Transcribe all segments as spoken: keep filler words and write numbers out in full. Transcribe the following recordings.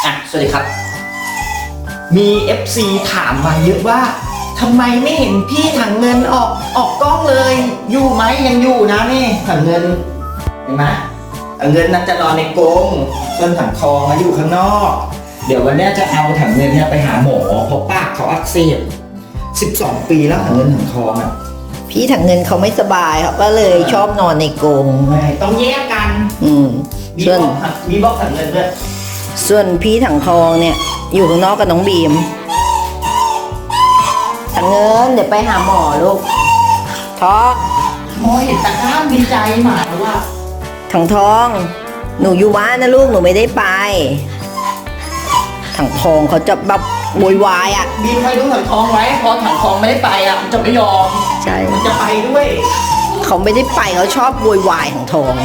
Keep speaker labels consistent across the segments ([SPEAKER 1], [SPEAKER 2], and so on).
[SPEAKER 1] อ่ะสวัสดีครับมี เอฟ ซี ถามมาเยอะว่าทำไมไม่เห็นพี่ถังเงินออกออกกล้องเลยอยู่ไหมยังอยู่นะนี่ถังเงินเห็นไหมถังเงินนั้นจะนอนในกรงส่วนถังทองมาอยู่ข้างนอกเดี๋ยววันนี้จะเอาถังเงินเนี่ยไปหาหมอเพราะปากเขาอักเสบสิบสองปีแล้วถังเงินถังทองอ่ะ
[SPEAKER 2] พี่ถังเงินเขาไม่สบายเขาก็เลยชอบนอนในกรง
[SPEAKER 1] ไม่ต้องแยกกัน
[SPEAKER 2] อืม
[SPEAKER 1] มี
[SPEAKER 2] ส่วน
[SPEAKER 1] บอกมีบอกถังเงินด้วย
[SPEAKER 2] ส่วนพี่ถังทองเนี่ยอยู่ข้างนอกกับน้องบีมถังเงินเดี๋ยวไปหาหมอลูกท้อง
[SPEAKER 1] โอ้ยเห็นตะกร้าดีใจหมาแล้วว่า
[SPEAKER 2] ถังทองหนูอยู่บ้านนะลูกหนูไม่ได้ไปถังทองเขาจะแบบโวยวายอ่ะ
[SPEAKER 1] บีมให้ดูถังทองไว้พอถังทองไม่ได้ไปอ่ะมันจะไม่ยอม
[SPEAKER 2] ใช่
[SPEAKER 1] มันจะไปด้วย
[SPEAKER 2] เขาไม่ได้ไปเขาชอบโวยวายถังทอง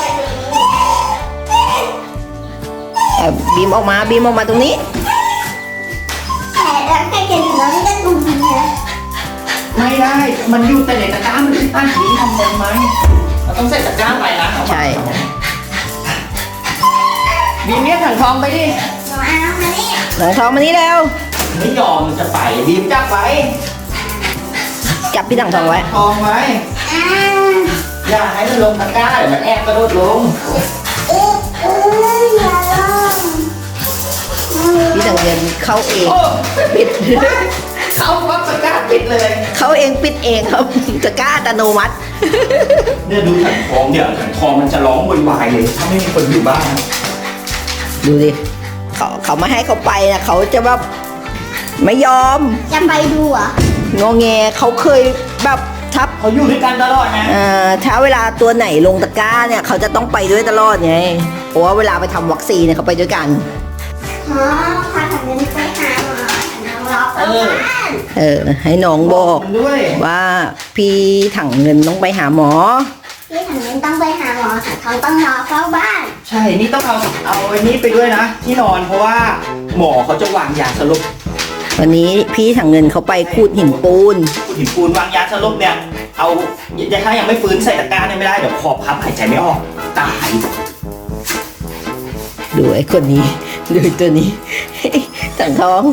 [SPEAKER 2] บีมออกมาบีมออกมาตรงนี้
[SPEAKER 3] แต่แล้วใครจะอยู่แล้วไม่ได้ดูมันนะ
[SPEAKER 1] ไม่ได้มันอยู่แต่ในตะกร้ามันตั้งผีทำยังไงเราต้องใส่ตะกร้าไปนะ
[SPEAKER 2] ใช่
[SPEAKER 1] บีมเรียกถังทองไปดิ
[SPEAKER 3] หนูเอามานี่
[SPEAKER 2] ถังทองมานี่เร็ว
[SPEAKER 1] ไม่ยอมจะไปบีมจับไว้
[SPEAKER 2] จับพี่ถังทองไว้
[SPEAKER 1] ทองไว้อย่าให้มันลงตะกร้าเดี๋ยวมันแอบกระโดดลง
[SPEAKER 3] เอ๊ะเอ้ยอย่าลง
[SPEAKER 2] พี่ถังเงินเข้าเองปิด
[SPEAKER 1] เขาวัดตะกร้าปิดเลย
[SPEAKER 2] เขาเองปิดเองครับตะกร้าอัตโนมัติ
[SPEAKER 1] เนี่ยดูถังทองเดี๋ยวถังทองมันจะร้องวุ่นวายเลยถ้าไม่มีคนอยู่บ้าน
[SPEAKER 2] ดูดิเขาเขาไม่ให้เขาไปนะเขาจะแบบไม่ยอม
[SPEAKER 3] จะไปดูอ่ะ
[SPEAKER 2] งอแงเขาเคยแบบทับ
[SPEAKER 1] เขาอยู่ด้วยกันตลอดนะ
[SPEAKER 2] อ่าถ้าเวลาตัวไหนลงตะกร้าเนี่ยเขาจะต้องไปด้วยตลอดไงเพราะว่าเวลาไปทำวัคซีนเนี่ยเขาไปด้วยกัน
[SPEAKER 3] อ๋อพาถังเงินไปหาหมอน้องล็อกเออ
[SPEAKER 2] เออให้น้องบอกว่าพี่ถังเงินต้องไปหาหมอ
[SPEAKER 3] พี่ถังเงินต้องไปหาหมอถังทองต้องรอเฝ้าบ้าน
[SPEAKER 1] ใช่นี่ต้องเอาเอาไอ้นี้ไปด้วยนะที่นอนเพราะว่าหมอเขาจะวางยาสลบ
[SPEAKER 2] วันนี้พี่ถังเงินเขาไปขูดหินปูน
[SPEAKER 1] ขูดหินปูนวางยาสลบเนี่ยเอาถ้ายังไม่ฟื้นใส่ตะกร้าเนี่ยไม่ได้เดี๋ยวคอพับหายใจไม่ออกตาย
[SPEAKER 2] ดูไอ้คนนี้ดูตัวนี้ถังทอง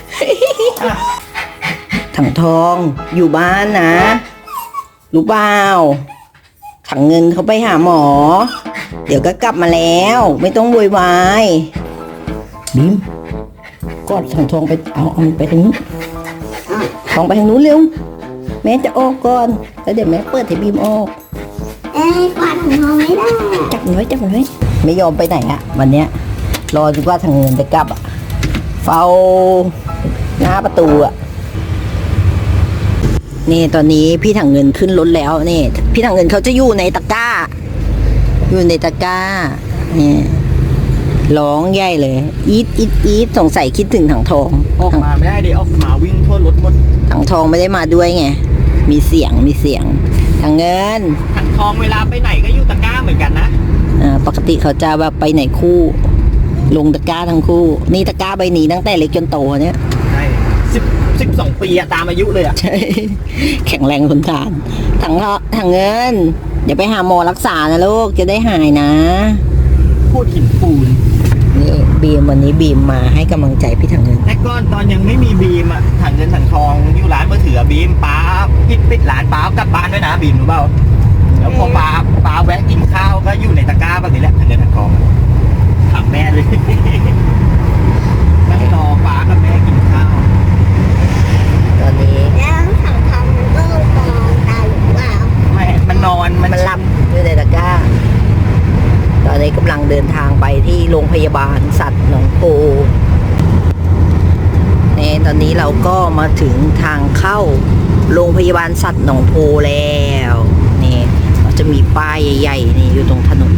[SPEAKER 2] ถังทองอยู่บ้านนะรู้เปล่าถังเงินเขาไปหาหมอเดี๋ยวก็กลับมาแล้วไม่ต้องโวยวายบีมกอดถังทองไปเอาเอาไปทางนู้นทองไปทางนู้นเร็วแม่จะออกก่อนแล้วเดี๋ยวแม่เปิดให้บีมออก
[SPEAKER 3] เอ้ยกวาดถังทองไม่ได้
[SPEAKER 2] จับมันไว้จับมันไว้ไม่ยอมไปไหนอะวันเนี้ยรอจนกว่าถังเงินจะกลับอะเฝ้าหน้าประตูอะนี่ตอนนี้พี่ถังเงินขึ้นรถแล้วนี่พี่ถังเงินเขาจะอยู่ในตะกร้าอยู่ในตะกร้านี่ร้องใหญ่เลยอีทอีทอีทสงสัยคิดถึงถังทอง
[SPEAKER 1] ออกมาไม่ได้ดิออกมาวิ่งทั่วรถหมด
[SPEAKER 2] ถังทองไม่ได้มาด้วยไงมีเสียงมีเสียงถังเงิน
[SPEAKER 1] ถังทองเวลาไปไหนก็อยู่ตะกร้าเหมือนกันนะ
[SPEAKER 2] อ่าปกติเขาจะแบบไปไหนคู่ลงตะกร้าทั้งคู่นี่ตะกร้าใบนี้ตั้งแต่เล็กจนโตเนี่ย
[SPEAKER 1] ใช่สิบสิบสองปีอะตามอายุเลยอะ
[SPEAKER 2] ใช่แข็งแรงทนทานถังถังเงินเดี๋ยวไปหาหมอรักษานะลูกจะได้หายนะ
[SPEAKER 1] พูดหินปูน
[SPEAKER 2] นี่บีมวันนี้บีมมาให้กำลังใจพี่ถังเงิน
[SPEAKER 1] แต่ก่อนตอนยังไม่มีบีมอะถังเงินถังทองอยู่ร้านมือถือบีมป้าปิดปิดร้านป้ากลับบ้านด้วยนะบีมรู้เปล่าแล้วพอป้าป้าแวะกินข้าวก็อยู่ในตะกร้าแบบนี้แหละถังเงินถังทองถามแม่เลยไม่รอป้ากับแม่กินข้าว
[SPEAKER 2] ตอนนี้
[SPEAKER 3] แล้วถังทองมันก็มองตาหรือเปล่า
[SPEAKER 1] ไม่มันนอน
[SPEAKER 2] มันหลับอยู่ในตะกร้าตอนนี้กำลังเดินทางไปที่โรงพยาบาลสัตว์หนองโพนี่ตอนนี้เราก็มาถึงทางเข้าโรงพยาบาลสัตว์หนองโพแล้วนี่เราจะมีป้ายใหญ่ๆนี่อยู่ตรงถนน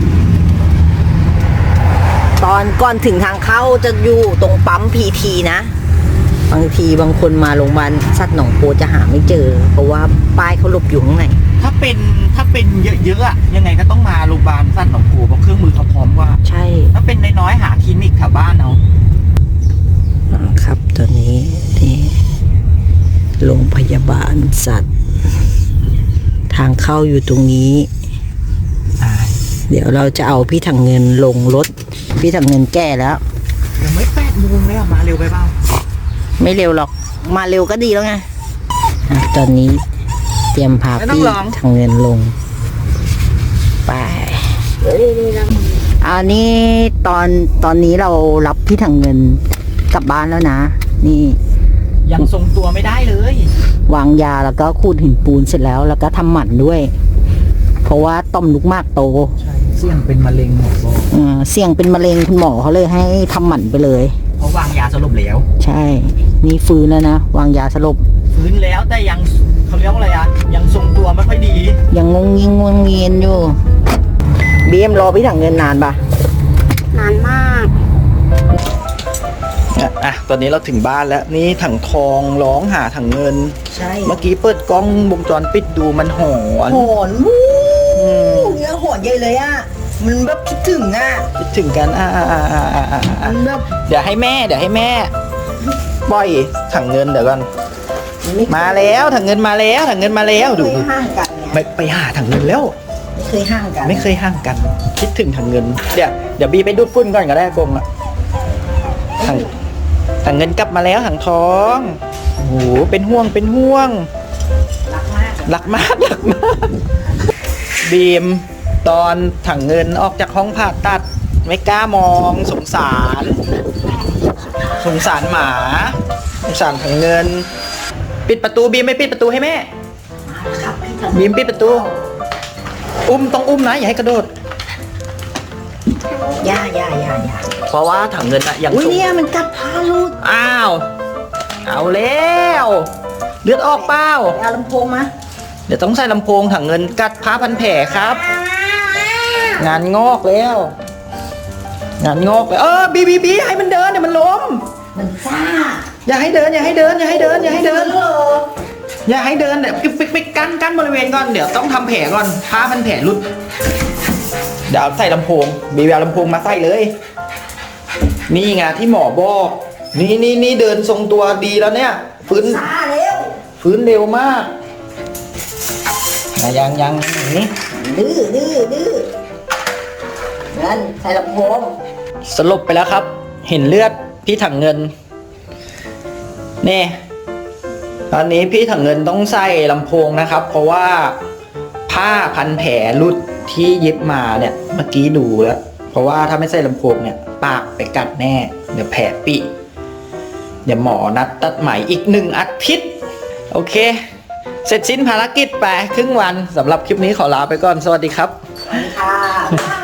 [SPEAKER 2] ตอนก่อนถึงทางเข้าจะอยู่ตรงปั๊มพีทีนะบางทีบางคนมาโรงพยาบาลสัตว์หนองโพจะหาไม่เจอเพราะว่าป้ายเขาหลบอยู่ข้างใน
[SPEAKER 1] ถ้าเป็นถ้าเป็นเยอะๆอะยังไงก็ต้องมาโรงพยาบาลสัตว์หนองโพเพราะเครื่องมือเขาพร้อมกว่า
[SPEAKER 2] ใช่
[SPEAKER 1] ถ้าเป็นน้อยๆหาคลินิกแถวบ้านเอา
[SPEAKER 2] ครับตอนนี้ที่โรงพยาบาลสัตว์ทางเข้าอยู่ตรงนี้เดี๋ยวเราจะเอาพี่ถังเงินลงรถพี่ถังเงินแก่แล้ว
[SPEAKER 1] ยังไม่แปดโมงเลยอ่ะมาเร็วไปเปล่า
[SPEAKER 2] ไม่เร็วหรอก มาเร็วก็ดีแล้วไงอ่ะตอนนี้เตรียมพาพี่ทางเงินลง ไป อันนี้ตอนตอนนี้เรารับพี่ถังเงินกลับบ้านแล้วนะ นี่
[SPEAKER 1] ยังทรงตัวไม่ได้เลยว
[SPEAKER 2] างยาแล้วก็ขูดหินปูนเสร็จแล้ว แล้วก็ทำหมันด้วย เพราะว่าต่อมลูกหมากโต
[SPEAKER 1] ใช่เสี่ยงเป็นมะเร็งหมอบอก
[SPEAKER 2] เออเสี่ยงเป็นมะเร็งคุณหมอเขาเลยให้ทำหมันไปเลย
[SPEAKER 1] เพราะวางยาสลบแล้ว
[SPEAKER 2] ใช่ นี่ฟื้นแล้วนะ วางยาสลบ
[SPEAKER 1] ฟื้นแล้วแต่ยังเขาเรียกว่าอะไรอ่ะยังทรงตัวไม่ค่อยดี
[SPEAKER 2] ยังงงยิงงงเงียนอยู่บีเอ็มรอพี่ถังเงินนานปะ
[SPEAKER 3] นานมาก
[SPEAKER 1] อ่ะตอนนี้เราถึงบ้านแล้วนี่ถังทองร้องหาถังเงิน
[SPEAKER 2] ใช่
[SPEAKER 1] เมื่อกี้เปิดกล้องวงจรปิดดูมันหอน
[SPEAKER 2] หอนวู้เนี่ยหอนใหญ่เลยอ่ะ มันแบบคิดถึงอ่ะ
[SPEAKER 1] คิดถึงกันอ่าอ่าอ่าอ่าอ่าอ่า
[SPEAKER 2] มันแบบ
[SPEAKER 1] เดี๋ยวให้แม่เดี๋ยวให้แม่ปล่อยถังเงินเดี๋ยวก่อน
[SPEAKER 2] ไม่
[SPEAKER 1] มาแล้วถังเงินมาแล้วถังเงินมาแล้วดู
[SPEAKER 2] เค
[SPEAKER 1] ดู
[SPEAKER 2] ยห่างกันไง
[SPEAKER 1] ไม่ไปหาถังเงินแล้ว
[SPEAKER 2] ไม่เคยห่างกัน
[SPEAKER 1] ไม่เคยห่างกัน คิดถึงถังเงิน เดี๋ยวเดี๋ยวบีไปดูดฝุ่นก่อนก็ได้กงอ่ะถังถังเงินกลับมาแล้วถังทองโอ้โหเป็นห่วงเป็นห่วง
[SPEAKER 2] รักมาก
[SPEAKER 1] รักมากรักมากบีมตอนถังเงินออกจากห้องผ่าตัด ไม่กล้ามองสงสาร สงสารหมาสงสารถังเงิน ปิดประตูบีมไม่ปิดประตูให้แม่
[SPEAKER 2] ครับพี่ถัง
[SPEAKER 1] บีมปิดประตู อุ้มต้องอุ้มนะอย่าให้กระโดด
[SPEAKER 2] ย่าย่าย่าย่า
[SPEAKER 1] เพราะว่าถังเงินอะยัง
[SPEAKER 2] อุ้ย
[SPEAKER 1] สูง
[SPEAKER 2] เนี่ยมันกัดพาลูก
[SPEAKER 1] อ้าว เอาแล้วเลือดออกเปล่า
[SPEAKER 2] เอาลำโพงมา
[SPEAKER 1] เดี๋ยวต้องใส่ลำโพงถังเงินกัดผ้าพันแผลครับ งานงอกแล้ว งานงอกแล้วเออบีบีบีให้มันเดินเดี๋ยวมันล้ม
[SPEAKER 2] มันซ่า
[SPEAKER 1] อย่าให้เดินอย่าให้เดินอย่าให้เดินอย่าให้เดิน
[SPEAKER 2] เหรอ
[SPEAKER 1] อย่าให้เดินเดี๋ยวปิ๊กปิ๊กปิ๊กกั้นกั้นบริเวณก่อนเดี๋ยวต้องทำแผลก่อนผ้าพันแผลรุดเดี๋ยวเอาใส่ลำโพงบีบีเอาลำโพงมาใส่เลย นี่ไงที่หมอบอก นี่นี่นี่เดินทรงตัวดีแล้วเนี่ยฟื้น
[SPEAKER 2] ซ่าแล้ว
[SPEAKER 1] ฟื้นเร็วมากนะยังยังอย่างนี้
[SPEAKER 2] ดื้อดื้อดื้องั้นใส่ลำโพง
[SPEAKER 1] สลบไปแล้วครับ เห็นเลือดพี่ถังเงินนี่ตอนนี้พี่ถังเงินต้องใส่ลำโพงนะครับ เพราะว่าผ้าพันแผลรุดที่เย็บมาเนี่ยเมื่อกี้ดูแล้ว เพราะว่าถ้าไม่ใส่ลำโพงเนี่ยปากไปกัดแน่ เดี๋ยวแผลปิเดี๋ยวหมอนัดตัดไหมอีกหนึ่งอาทิตย์โอเค เสร็จสิ้นภารกิจไปครึ่งวันสำหรับคลิปนี้ขอลาไปก่อนสวัสดีครับ
[SPEAKER 2] ค่ะ